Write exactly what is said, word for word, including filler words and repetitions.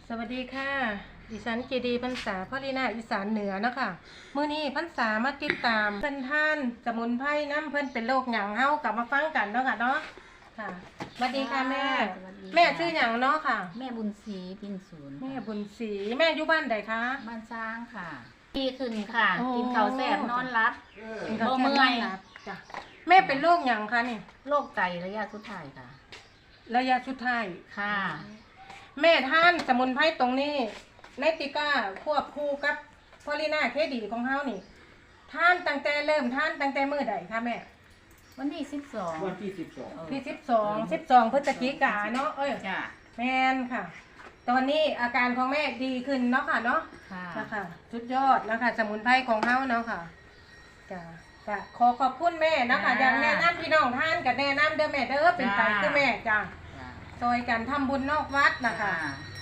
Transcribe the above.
สวัสดีค่ะดิฉันเจดีพรรษาพ่อลีนาอีสานเหนือเนาะค่ะมื้อนี้พรรษามาติดตามเพิ่นท่านสมุนไพรน้ำเพิ่นเป็นโรคหยังเฮากลับมาฟังกันเนาะค่ะเนาะค่ะสวัสดีค่ะแม่สวัสดีค่ะแม่ชื่อหยังเนาะค่ะแม่บุญศรีพินศูนย์แม่ค่ะบุญศรีแม่อยู่บ้านใดคะบ้านสร้างค่ะดีขึ้นค่ะโอ้กินข้าวแซ่บนอนรับกินข้าวบ่แซ่บเมื่อยนอนหลับจ้ะแม่เป็นโรคหยังคะนี่โรคไตระยะสุดท้ายค่ะระยะสุดท้ายค่ะแม่ท่านสมุนไพรตรงนี้ในติก้าควบคู่กับพอลีนาเคดีของเฮานี่ท่านตั้งแต่เริ่มท่านตั้งแต่มื้อใดคะแม่วันที่สิบสองวันที่สิบสองที่สิบสองสิบสองพฤศจิกาเนาะเอ้ยจ้ะแมนค่ะ ตอนนี้อาการของแม่ดีขึ้นเนาะค่ะเนาะค่ะนะคะสุดยอดนะคะสมุนไพรของเฮาเนาะค่ะจ้ะจ้ะขอขอบคุณแม่นะคะอย่างแนะนำพี่น้องท่านกับแนะนำเด้อแม่เด้อเป็นไตคือแม่จ้ะจ้ะซอยกันทำบุญนอกวัดนะคะจ้ะ